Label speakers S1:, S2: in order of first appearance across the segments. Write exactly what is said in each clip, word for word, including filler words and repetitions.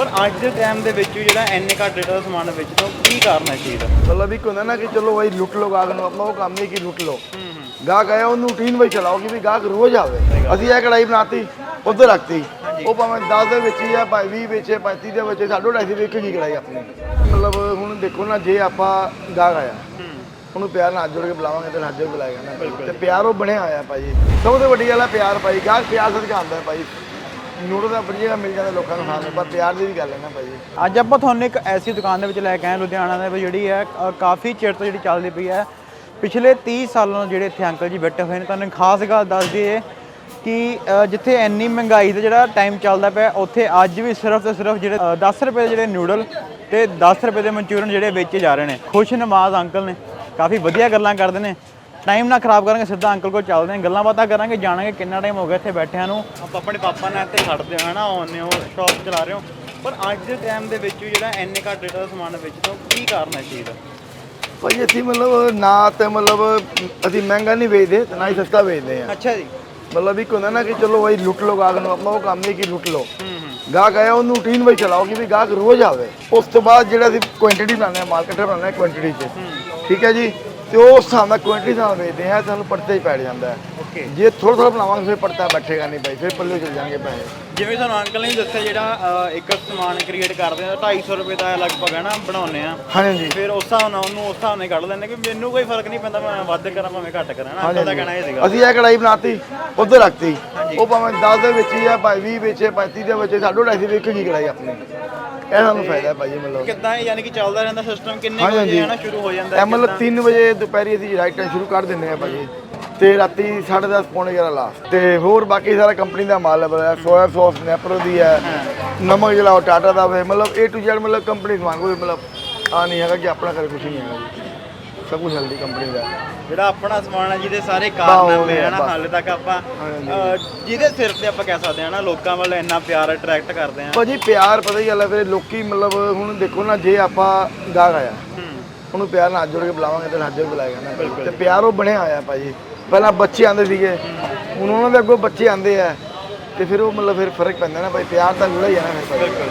S1: ਪਰ ਅੱਜ ਦੇ ਟਾਈਮ ਦੇ ਵਿੱਚ ਜਿਹੜਾ ਇੰਨੇ ਘੱਟ ਰੇਟ ਦਾ ਸਮਾਨ ਵੇਚਦਾ ਕੀ ਕਾਰਨ ਹੈ ਚੀਜ਼ ਦਾ?
S2: मतलब एक होता है ना कि चलो भाई लुट लो गाहक ਨੂੰ अपना वो काम नहीं कि लुट लो ਗਾਹਕ ਆਇਆ ਉਹਨੂੰ ਰੂਟੀਨ ਵਿੱਚ ਚਲਾਓ ਕਿ ਵੀ ਗਾਹਕ ਰੋਜ਼ ਆਵੇ। ਅਸੀਂ ਇਹ ਕੜਾਈ ਬਣਾਤੀ ਉੱਧਰ ਰੱਖਤੀ, ਉਹ ਭਾਵੇਂ ਦਸ ਦੇ ਵਿੱਚ ਹੀ ਆ, ਭਾਵੇਂ ਵੀਹ ਵਿੱਚ ਹੈ, ਪੈਂਤੀ ਦੇ ਵਿੱਚ ਸਾਢੇ ਢਾਈ ਸੌ ਵੇਖ ਕੀ ਕੜਾਈ ਆਪਣੀ। ਮਤਲਬ ਹੁਣ ਦੇਖੋ ਨਾ, ਜੇ ਆਪਾਂ ਗਾਹਕ ਆਇਆ ਉਹਨੂੰ ਪਿਆਰ ਨਾਲ ਹੱਥ ਜੋੜ ਕੇ ਬੁਲਾਵਾਂਗੇ ਤੇ ਹੱਥ ਜੋੜ ਕੇ ਬੁਲਾਏਗਾ ਨਾ, ਤੇ ਪਿਆਰ ਉਹ ਬਣਿਆ ਹੋਇਆ ਭਾਜੀ। ਸਭ ਤੋਂ ਵੱਡੀ ਗੱਲ ਹੈ ਪਿਆਰ ਭਾਈ। ਗਾਹਕ ਪਿਆਰ ਸਦਕਾ ਆਉਂਦਾ ਭਾਈ। ਨੂਡਲ ਦਾ ਵਧੀਆ ਮਿਲ ਜਾਂਦਾ ਲੋਕਾਂ ਨੂੰ ਖਾਣ ਨੂੰ, ਪਰ ਪਿਆਰ ਦੀ ਵੀ ਗੱਲ ਹੈ ਨਾ ਭਾਜੀ।
S1: ਅੱਜ ਆਪਾਂ ਤੁਹਾਨੂੰ ਇੱਕ ਐਸੀ ਦੁਕਾਨ ਦੇ ਵਿੱਚ ਲੈ ਕੇ ਆਏ ਲੁਧਿਆਣਾ ਦੇ ਵਿੱਚ, ਜਿਹੜੀ ਹੈ ਅ, ਕਾਫੀ ਚਿਰ ਤੋਂ ਜਿਹੜੀ ਚੱਲਦੀ ਪਈ ਹੈ। ਪਿਛਲੇ ਤੀਹ ਸਾਲਾਂ ਤੋਂ ਜਿਹੜੇ ਇੱਥੇ ਅੰਕਲ ਜੀ ਬੈਠੇ ਹੋਏ ਨੇ। ਤੁਹਾਨੂੰ ਖਾਸ ਗੱਲ ਦੱਸ ਦਈਏ ਕਿ ਅ, ਜਿੱਥੇ ਇੰਨੀ ਮਹਿੰਗਾਈ ਦਾ ਜਿਹੜਾ ਟਾਈਮ ਚੱਲਦਾ ਪਿਆ, ਉੱਥੇ ਅੱਜ ਵੀ ਸਿਰਫ ਤੇ ਸਿਰਫ ਜਿਹੜੇ ਅ, ਦਸ ਰੁਪਏ ਦੇ ਜਿਹੜੇ ਨੂਡਲ ਤੇ ਦਸ ਰੁਪਏ ਦੇ ਮਨਚੂਰੀਅਨ ਜਿਹੜੇ ਵੇਚੇ ਜਾ ਰਹੇ ਨੇ। ਖੁਸ਼ ਨਮਾਜ਼ ਅੰਕਲ ਨੇ, ਕਾਫੀ ਵਧੀਆ ਗੱਲਾਂ ਕਰਦੇ ਨੇ। ਟਾਈਮ ਨਾ ਖਰਾਬ ਕਰਾਂਗੇ, ਸਿੱਧਾ ਅੰਕਲ ਕੋਲ ਚੱਲਦੇ ਹਾਂ, ਗੱਲਾਂ ਬਾਤਾਂ ਕਰਾਂਗੇ, ਜਾਣਾਂਗੇ ਕਿੰਨਾ ਟਾਈਮ ਹੋ ਗਿਆ ਇੱਥੇ ਬੈਠਿਆਂ ਨੂੰ। ਆਪਾਂ ਆਪਣੇ ਪਾਪਾ ਨਾਲ ਇੱਥੇ ਖੜਦੇ ਹਾਂ ਨਾ, ਆਉਂਦੇ ਹੋ ਸ਼ੌਪ ਚਲਾ ਰਹੇ ਹੋ, ਪਰ ਅੱਜ ਦੇ ਟਾਈਮ ਦੇ ਵਿੱਚ ਜਿਹੜਾ ਇੰਨੇ ਘੱਟ ਰੇਟ ਦਾ ਸਮਾਨ ਵੇਚਦਾ ਕੀ ਕਾਰਨ ਹੈ ਚੀਜ਼ ਦਾ?
S2: ਭਾਜੀ ਅਸੀਂ ਮਤਲਬ ਨਾ ਤੇ ਮਤਲਬ ਅਸੀਂ ਮਹਿੰਗਾ ਨਹੀਂ ਵੇਚਦੇ ਤੇ ਨਾ ਹੀ ਸਸਤਾ ਵੇਚਦੇ ਹਾਂ।
S1: ਅੱਛਾ ਜੀ।
S2: ਮਤਲਬ ਇੱਕ ਹੁੰਦਾ ਨਾ ਕਿ ਚਲੋ ਭਾਈ ਲੁੱਟ ਲੋ ਗਾਹਕ ਨੂੰ, ਆਪਣਾ ਉਹ ਕੰਮ ਨਹੀਂ ਕਿ ਲੁੱਟ ਲੋ ਗਾਹਕ ਆਇਆ ਉਹਨੂੰ ਰੂਟੀਨ ਵਿੱਚ ਚਲਾਓ ਕਿ ਵੀ ਗਾਹਕ ਰੋਜ਼ ਆਵੇ। ਉਸ ਤੋਂ ਬਾਅਦ ਜਿਹੜਾ ਅਸੀਂ ਕੁਆਂਟੀਟੀ ਬਣਾਉਂਦੇ ਹਾਂ, ਮਾਰਕੀਟ ਬਣਾਉਂਦੇ ਹਾਂ ਕੁਆਂਟੀਟੀ 'ਚ, ਠੀਕ ਹੈ ਜੀ। ਤੇ ਉਹ ਉਸ ਹਿਸਾਬ ਨਾਲ ਕੁਆਂਟੀਟੀ ਨਾਲ ਵੇਚਦੇ ਹਾਂ, ਸਾਨੂੰ ਪੜਤੇ ਹੀ ਪੈ ਜਾਂਦਾ ਹੈ।
S1: ਓਕੇ।
S2: ਜੇ ਥੋੜਾ ਥੋੜਾ ਬਣਾਵਾਂਗੇ ਫਿਰ ਪੜਤਾ ਬੈਠੇਗਾ ਨਹੀਂ ਭਾਈ, ਫਿਰ ਪੱਲੇ ਚਲ ਜਾਣਗੇ ਪੈਸੇ।
S1: ਜਿਵੇਂ ਤੁਹਾਨੂੰ ਅੰਕਲ ਨੇ ਦੱਸਿਆ, ਜਿਹੜਾ ਅ, ਇੱਕ ਸਮਾਨ ਕ੍ਰੀਏਟ ਕਰਦੇ ਆ ਢਾਈ ਸੌ ਰੁਪਏ ਦਾ ਲਗਭਗ ਹੈ ਨਾ ਬਣਾਉਂਦੇ ਆ,
S2: ਹਾਂਜੀ
S1: ਫਿਰ ਉਸ ਹਿਸਾਬ ਨਾਲ ਉਹਨੂੰ ਉਸ ਹਿਸਾਬ ਨਾਲ ਕੱਢ ਲੈਂਦੇ ਕਿ ਮੈਨੂੰ ਕੋਈ ਫਰਕ ਨਹੀਂ ਪੈਂਦਾ, ਮੈਂ ਵੱਧ ਕਰਾਂ ਭਾਵੇਂ ਘੱਟ ਕਰਾਂ ਨਾ। ਅੰਕਲ ਦਾ ਕਹਿਣਾ ਇਹ ਸੀਗਾ।
S2: ਅਸੀਂ ਇਹ ਕੜਾਈ ਬਣਾਤੀ ਉੱਧਰ ਰੱਖਤੀ, ਉਹ ਭਾਵੇਂ ਦਸ ਦੇ ਵਿੱਚ ਹੀ ਆ, ਭਾਵੇਂ ਵੀਹ ਵਿੱਚ ਹੈ, ਪੈਂਤੀ ਦੇ ਵਿੱਚ ਸਾਢੇ ਢਾਈ ਸੌ ਵੇਖ ਕੀ ਕੜਾਈ ਆਪਣੀ। ਇਹ ਸਾਨੂੰ ਫਾਇਦਾ ਹੈ ਭਾਜੀ। ਮਤਲਬ
S1: ਕਿੱਦਾਂ ਯਾਨੀ ਕਿ ਚੱਲਦਾ ਰਹਿੰਦਾ ਸਿਸਟਮ? ਕਿੰਨੇ
S2: ਹਾਂਜੀ,
S1: ਵਜੇ
S2: ਹਾਂਜੀ।
S1: ਹੈ ਨਾ ਸ਼ੁਰੂ ਹੋ ਜਾਂਦਾ
S2: ਇਹ ਮਤਲਬ ਤਿੰਨ ਵਜੇ ਦੁਪਹਿਰੀ ਅਸੀਂ ਰਾਈਟ ਟਾਈਮ ਸ਼ੁਰੂ ਕਰ ਦਿੰਦੇ ਹਾਂ ਭਾਜੀ, ਤੇ ਰਾਤੀ ਸਾਢੇ ਦਸ ਪੌਣੇ ਗਿਆਰਾਂ ਲਾਸਟ। ਤੇ ਹੋਰ ਬਾਕੀ ਸਾਰਾ ਕੰਪਨੀ ਦਾ ਮਾਲ ਹੈ, ਸੋਇਆ ਸੌਸ ਨੈਪਰੋ ਦੀ ਹੈ, ਨਮਕ ਜਿਹੜਾ ਉਹ ਟਾਟਾ ਦਾ ਹੈ, ਮਤਲਬ ਏ ਟੂ ਜ਼ੈਡ ਮਤਲਬ ਕੰਪਨੀ ਸਮਾਨ। ਕੋਈ ਮਤਲਬ ਆ ਨਹੀਂ ਹੈਗਾ ਕਿ ਆਪਣਾ ਘਰ ਕੁਛ ਨਹੀਂ ਹੈਗਾ ਜੀ, ਸਭ ਕੁਝ ਹੈਲਦੀ ਕੰਪਨੀ ਦਾ
S1: ਜਿਹੜਾ ਆਪਣਾ ਸਮਾਨ ਹੈ, ਜਿਹਦੇ ਸਾਰੇ ਕਾਰਨਾਮੇ ਹੈ ਨਾ ਹਾਲੇ ਤੱਕ ਆਪਾਂ ਅ, ਜਿਹਦੇ ਸਿਰ ਤੇ ਆਪਾਂ ਕਹਿ ਸਕਦੇ ਹਾਂ ਨਾ ਲੋਕਾਂ ਵੱਲ ਇੰਨਾ ਪਿਆਰ ਅਟਰੈਕਟ ਕਰਦੇ ਹਾਂ
S2: ਭਾਜੀ। ਪਿਆਰ ਪਤਾ ਹੀ ਗੱਲ ਹੈ ਫਿਰ ਲੋਕੀ ਮਤਲਬ ਹੁਣ ਦੇਖੋ ਨਾ, ਜੇ ਆਪਾਂ ਗਾਹਕ ਆਇਆ ਉਹਨੂੰ ਪਿਆਰ ਨਾਲ ਹੱਥ ਜੋੜ ਕੇ ਬੁਲਾਵਾਂਗੇ ਤੇ ਹੱਥ ਜੋੜ ਕੇ ਬੁਲਾਏਗਾ ਨਾ, ਤੇ ਪਿਆਰ ਉਹ ਬਣਿਆ ਹੋਇਆ ਭਾਜੀ। ਪਹਿਲਾਂ ਬੱਚੇ ਆਉਂਦੇ ਸੀਗੇ, ਹੁਣ ਉਹਨਾਂ ਦੇ ਅੱਗੋਂ ਬੱਚੇ ਆਉਂਦੇ ਆ, ਤੇ ਫਿਰ ਉਹ ਮਤਲਬ ਫਿਰ ਫਰਕ ਪੈਂਦਾ ਨਾ ਭਾਈ। ਪਿਆਰ ਤਾਂ ਜੁੜਾ ਹੀ ਹੈ ਨਾ ਫਿਰ ਭਾਈ।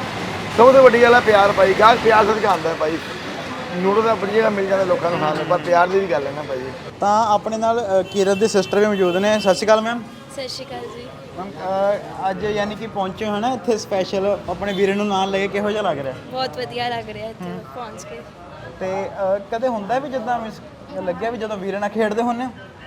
S2: ਸਭ ਤੋਂ ਵੱਡੀ ਗੱਲ ਹੈ ਪਿਆਰ ਭਾਈ। ਗਾਹਕ ਪਿਆਰ ਸਦਕਾ ਆਉਂਦਾ ਭਾਈ। ਨੂਡਲ ਦਾ ਵਧੀਆ ਮਿਲ ਜਾਂਦਾ ਲੋਕਾਂ ਨੂੰ ਖਾਣ ਨੂੰ, ਪਰ ਪਿਆਰ ਦੀ ਵੀ ਗੱਲ ਹੈ ਨਾ ਭਾਜੀ। ਤਾਂ ਆਪਣੇ ਨਾਲ ਕੀਰਤ ਦੇ ਸਿਸਟਰ ਵੀ ਮੌਜੂਦ ਨੇ। ਸਤਿ ਸ਼੍ਰੀ ਅਕਾਲ ਮੈਮ।
S3: ਸਤਿ ਸ਼੍ਰੀ ਅਕਾਲ ਜੀ।
S1: ਮੈਮ ਅੱਜ ਯਾਨੀ ਕਿ ਪਹੁੰਚੇ ਹੋ ਨਾ ਇੱਥੇ ਸਪੈਸ਼ਲ ਆਪਣੇ ਵੀਰੇ ਨੂੰ ਨਾਲ ਲੈ ਕੇ, ਕਿਹੋ ਜਿਹਾ ਲੱਗ ਰਿਹਾ?
S3: ਬਹੁਤ ਵਧੀਆ ਲੱਗ ਰਿਹਾ ਇੱਥੇ ਪਹੁੰਚ ਕੇ।
S1: ਤੇ ਅ, ਕਦੇ ਹੁੰਦਾ ਵੀ ਜਿੱਦਾਂ ਮਿਸ ਲੱਗਿਆ ਵੀ ਜਦੋਂ ਵੀਰੇ ਨਾਲ ਖੇਡਦੇ ਹੁੰਦੇ ਹੋ?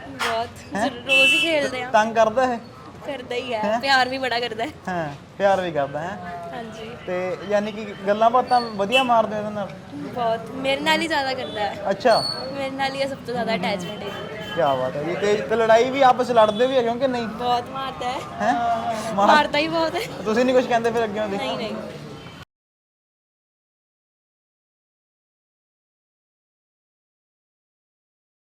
S3: ਬਹੁਤ ਰੋਜ਼ ਹੀ ਖੇਡਦੇ ਆ।
S1: ਤੰਗ ਕਰਦਾ ਹੈ?
S3: ਕਰਦਾ ਹੀ ਹੈ, ਪਿਆਰ ਵੀ ਬੜਾ ਕਰਦਾ ਹੈ।
S1: ਹਾਂ, ਪਿਆਰ ਵੀ ਕਰਦਾ ਹੈ।
S3: ਹਾਂਜੀ।
S1: ਤੇ ਯਾਨੀ ਕਿ ਗੱਲਾਂ ਬਾਤਾਂ ਵਧੀਆ ਮਾਰਦੇ ਹੋ ਇਹਦੇ ਨਾਲ?
S3: ਬਹੁਤ, ਮੇਰੇ ਨਾਲ ਹੀ ਜ਼ਿਆਦਾ ਕਰਦਾ ਹੈ।
S1: ਅੱਛਾ।
S3: ਮੇਰੇ ਨਾਲ ਹੀ ਸਭ ਤੋਂ ਜ਼ਿਆਦਾ ਅਟੈਚਮੈਂਟ ਹੈ।
S1: ਕੀ ਬਾਤ ਹੈ ਜੀ। ਤੇ ਤੇ ਲੜਾਈ ਵੀ ਆਪਸ ਲੜਦੇ ਵੀ ਹੈਗੇ ਹੋ ਕਿ ਨਹੀਂ?
S3: ਬਹੁਤ ਮਾਰਦਾ ਹੈ।
S1: ਹੈ
S3: ਮਾਰਦਾ ਹੀ ਬਹੁਤ ਹੈ।
S1: ਤੁਸੀਂ ਨਹੀਂ ਕੁਝ ਕਹਿੰਦੇ ਫਿਰ ਅੱਗੇ ਉਹਦੀ?
S3: ਨਹੀਂ ਨਹੀਂ